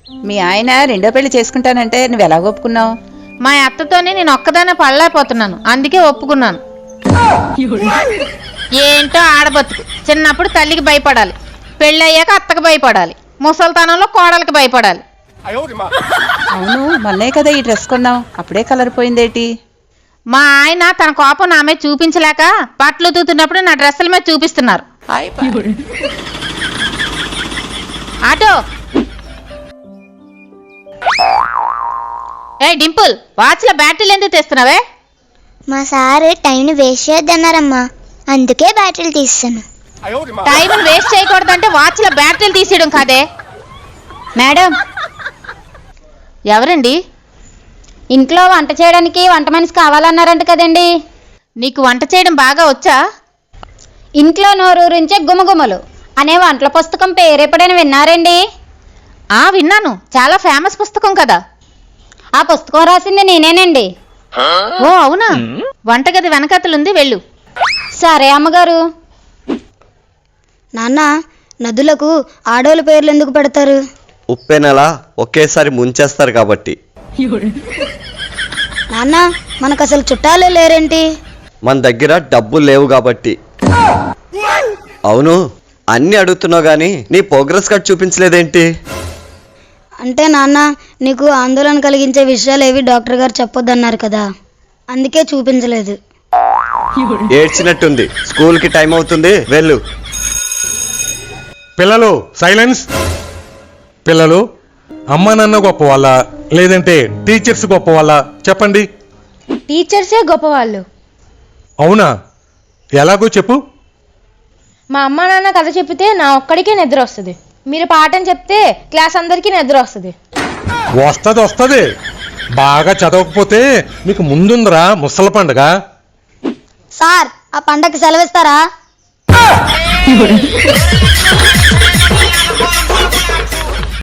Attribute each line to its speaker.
Speaker 1: మీ ఆయన రెండో పెళ్లి చేసుకుంటానంటే నువ్వు ఎలా ఒప్పుకున్నావు?
Speaker 2: మా అత్తతోనే నేను ఒక్కదానే పడలేకపోతున్నాను, అందుకే ఒప్పుకున్నాను. ఏంటో ఆడబతుకు. చిన్నప్పుడు తల్లికి భయపడాలి, పెళ్ళయ్యాక అత్తకు భయపడాలి, ముసల్తనంలో కోడలికి భయపడాలి.
Speaker 1: అవును, మొన్నే కదా ఈ డ్రెస్ కొన్నావు, అప్పుడే కలర్ పోయిందేటి?
Speaker 2: మా ఆయన తన కోపం నా మీద చూపించలేక బట్టలు తూతున్నప్పుడు నా డ్రెస్సుల మీద చూపిస్తున్నారు. ఆటో ఏ డింపుల్, వాచ్లో బ్యాటరీలు ఎందుకు తెస్తున్నావే?
Speaker 3: మా సార్ టైంని వేస్ట్ చేయొద్దన్నారమ్మా, అందుకే బ్యాటరీలు తీస్తాను.
Speaker 2: టైంని వేస్ట్ చేయకూడదంటే వాచ్లో బ్యాటరీలు తీసేయడం కాదే.
Speaker 3: మేడం,
Speaker 2: ఎవరండి?
Speaker 3: ఇంట్లో వంట చేయడానికి వంట మనిషి కావాలన్నారంట కదండి.
Speaker 2: నీకు వంట చేయడం బాగా వచ్చా?
Speaker 3: ఇంట్లో నోరూరించే గుమగుమలు అనే వంటల పుస్తకం పేరు ఎప్పుడైనా విన్నారండి?
Speaker 2: విన్నాను, చాలా ఫేమస్ పుస్తకం కదా.
Speaker 3: ఆ పుస్తకం రాసింది నేనేనండి.
Speaker 2: ఓ అవునా? వంటగది వెనకతలుంది, వెళ్ళు.
Speaker 3: సరే అమ్మగారు. నాన్న, నదులకు ఆడోళ్ళ పేర్లు ఎందుకు పెడతారు?
Speaker 4: ఉప్పెనెలా ఒకేసారి ముంచేస్తారు కాబట్టి.
Speaker 3: నాన్న, మనకు అసలు చుట్టాలే లేరేంటి?
Speaker 4: మన దగ్గర డబ్బులు లేవు కాబట్టి. అవును, అన్ని అడుగుతున్నావు గానీ నీ ప్రోగ్రెస్ కార్డ్ చూపించలేదేంటి?
Speaker 3: అంటే నాన్న, నీకు ఆందోళన కలిగించే విషయాలు ఏవి డాక్టర్ గారు చెప్పొద్దన్నారు కదా, అందుకే చూపించలేదు.
Speaker 4: ఏడ్చినట్టుంది, స్కూల్కి టైం అవుతుంది, వెళ్ళు.
Speaker 5: పిల్లలు సైలెన్స్. పిల్లలు, అమ్మా నాన్న గొప్ప వాళ్ళ లేదంటే టీచర్స్ గొప్ప వాళ్ళ చెప్పండి.
Speaker 6: టీచర్సే గొప్పవాళ్ళు.
Speaker 5: అవునా? ఎలాగో చెప్పు.
Speaker 6: మా అమ్మ నాన్న కథ చెప్పితే నా ఒక్కడికే నిద్ర వస్తుంది. మీరు పాఠం చెప్తే క్లాస్ అందరికీ నిద్ర వస్తుంది.
Speaker 5: వస్తుంది. బాగా చదవకపోతే మీకు ముందుందిరా ముసల పండుగ.
Speaker 3: సార్, ఆ పండగకి సెలవిస్తారా?